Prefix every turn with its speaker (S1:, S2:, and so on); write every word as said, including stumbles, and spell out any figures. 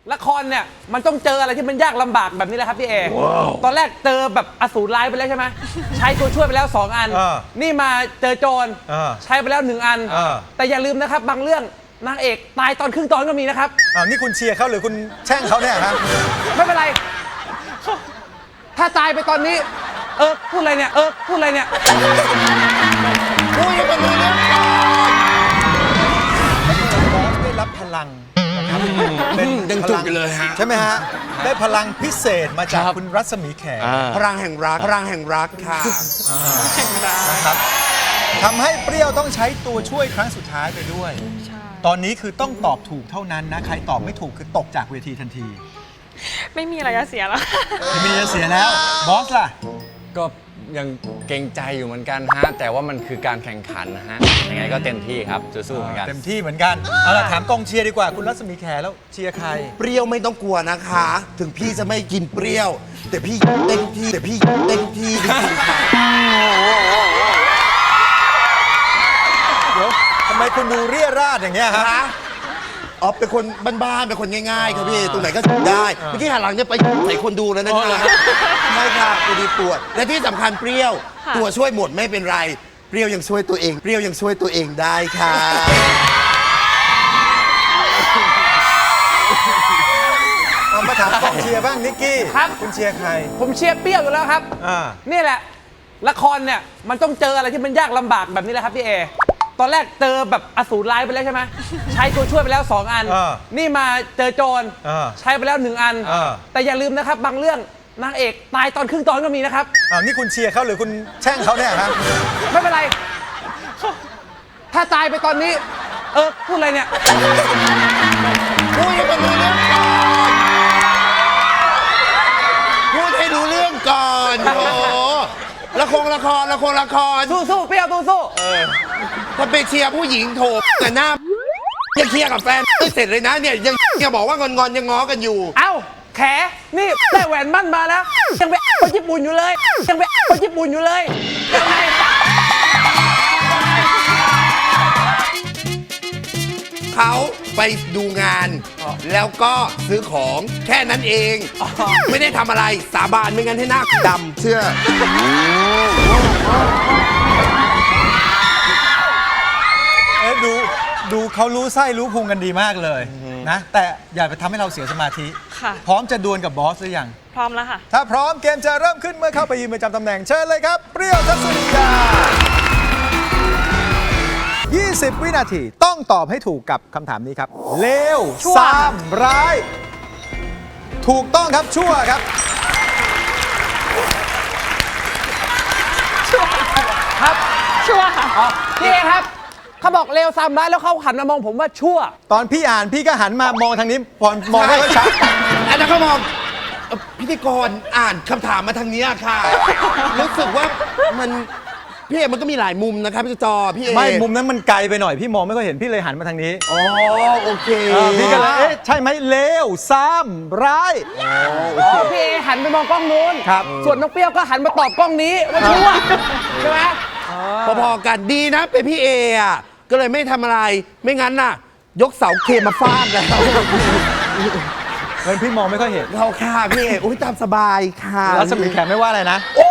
S1: ละครเนี่ยมันต้องเจออะไรที่มันยากลำบากแบบนี้แหละครับพี่เอ wow. ตอนแรกเจอแบบอสูรร้ายไปแล้วใช่ไหม ใช้ตัวช่วยไปแล้วสองอัน นี่มาเจอโจรใช้ไปแล้วหนึ่งอัน แต่อย่าลืมนะครับบางเรื่องนางเอกตายตอนครึ่งตอนก็มีนะครับ
S2: อ้าวนี่คุณเชียร์เขาหรือคุณแช่งเขาเนี่ยครับ
S1: ไม่เป็นไรถ้าตายไปตอนนี้เออพูดอะไรเนี่ยเออพูดอะไรเนี่ย
S3: พูดให้มันรู้เรื่องก่อน
S2: บอสได้รับพลังนะครับ
S3: เป็นยังจุกกันเลยฮะ
S2: ใช่ไหมฮะได้พลังพิเศษมาจากคุณรัศมีแขก
S3: พลังแห่งรักพลังแห่งรักค่ะ
S2: นะครับทำให้เปรี้ยวต้องใช้ตัวช่วยครั้งสุดท้ายไปด้วยตอนนี้คือต้องตอบถูกเท่านั้นนะใครตอบไม่ถูกคือตกจากเวทีทันที
S4: ไม่มีอะไรจะเสียแล้ว
S2: ไม่มีจะเสียแล้วบอสล่ะ
S5: ก็ยังเกรงใจอยู่เหมือนกันฮะแต่ว่ามันคือการแข่งขันนะฮะยังไงก็เต็มที่ครับสู้ๆเหมือนกัน
S2: เต็มที่เหมือนกันเอาล่ะถามกองเชียร์ดีกว่าคุณรัศมีแขแล้วเชียร์ใคร
S3: เปรี้ยวไม่ต้องกลัวนะคะถึงพี่จะไม่กินเปรี้ยวแต่พี่เต็มที่แต่พี่เต็มที่จริงๆค่ะ
S2: เดี๋ยวทำไมคุณดูเรี่ยราดอย่างเงี้ยฮะ
S3: อ๋อเป็นคนบ้านๆเป็นคนง่ายๆครับพี่ตรงไหนก็ได้เมื่อกี้หันหลังจะไปใส่คนดูแล้วนะคะไม่ค่ะตัวดีปวดและที่สำคัญเปรี้ยวตัวช่วยหมดไม่เป็นไรเปรี้ยวยังช่วยตัวเองเปรี้ยวยังช่วยตัวเองได้ค่ะ
S2: เอามาถามกองเชียร์บ้างนิกกี้
S1: ครับ
S2: คุณเชียร์ใคร
S1: ผมเชียร์เปรี้ยวอยู่แล้วครับนี่แหละละครเนี่ยมันต้องเจออะไรที่มันยากลำบากแบบนี้แหละครับพี่เอตอนแรกเจอแบบอสูรร้ายไปแล้วใช่ไหม ใช้ตัวช่วยไปแล้วสองอัน นี่มาเจอโจรใช้ไปแล้วหนึ่งอัน แต่อย่าลืมนะครับบางเรื่องนางเอกตายตอนครึ่งตอนก็มีนะครับ
S2: อ้าวนี่คุณเชียร์เขาหรือคุณแช่งเขาเนี่ยครับ
S1: ไม่เป็นไรถ้าตายไปตอนนี้เออพูดอะไรเนี่ย
S3: พูดให้มันรู้เรื่องก่อนพูดให้รู้เรื่องก่อนโอ้ละครละครละครละคร
S1: สู้สู้เปรี้ยวสู้สู้
S3: ถ้าไปเชียร์ผู้หญิงโถแต่หน้ายังเคลียร์กับแฟนไม่เสร็จเลยนะเนี่ยยังยังบอกว่างอนงอนยังง้อกันอยู่
S1: เอ้าแขนี่ได้แหวนมั่นมาแล้วยังไปคนญี่ปุ่นอยู่เลยยังไปคนญี่ปุ่นอยู่เลยยังไง
S3: เขาไปดูงานแล้วก็ซื้อของแค่นั้นเองไม่ได้ทำอะไรสาบานไม่งั้นให้หน้าดำเชื่อ
S2: เอ๊ะดูดูเขารู้ไส้รู้พุงกันดีมากเลยนะแต่อย่าไปทำให้เราเสียสมาธิพร้อมจะดวลกับบอสหรือยัง
S4: พร้อมแล้วค่ะ
S2: ถ้าพร้อมเกมจะเริ่มขึ้นเมื่อเข้าไปยืนประจำตำแหน่งเชิญเลยครับเปรี้ยวทัศนียายี่สิบ วินาทีต้องตอบให้ถูกกับคำถามนี้ครับเลวซ้ำร้ายถูกต้องครับชั่วครับ
S1: ชั่วครับชั่วค่ะพี่เอครับเขาบอกเลวซ้ำร้ายแล้วเขาหันมามองผมว่าชั่ว
S2: ตอนพี่อ่านพี่ก็หันมามองทางนี้พอมองไม่ค่อยชัด
S3: อันนั้นเขามองพิธีกรอ่านคำถามมาทางนี้ค่ะรู้สึกว่ามันพี่เอมันก็มีหลายมุมนะครับพี่จอพี่เอ
S2: ไม่มุมนั้นมันไกลไปหน่อยพี่มองไม่ค่อยเห็นพี่เลยหันมาทางนี้
S3: อ๋อโอเค
S2: พี่ก็เลยเอ๊ะใช่ไหมเลวซ้ำร้าย
S1: อ๋อพี่เอหันไปมองกล้องนู้นครับส่วนน้องเปรี้ยวก็หันมาตอบกล้องนี้ว่าชั่วใช่ไหม
S3: พอๆกันดีนะเป็นพี่เออ่ะก็เลยไม่ทำอะไรไม่งั้นน่ะยกเสาเคมาฟาดแล้ว
S2: เงินพี่มองไม่ค่อยเห็น
S3: เราค่ะพี่เออุ้ยตามสบายค่ะ
S2: รัศมีแขกไม่ว่าอะไรนะ
S3: โอ้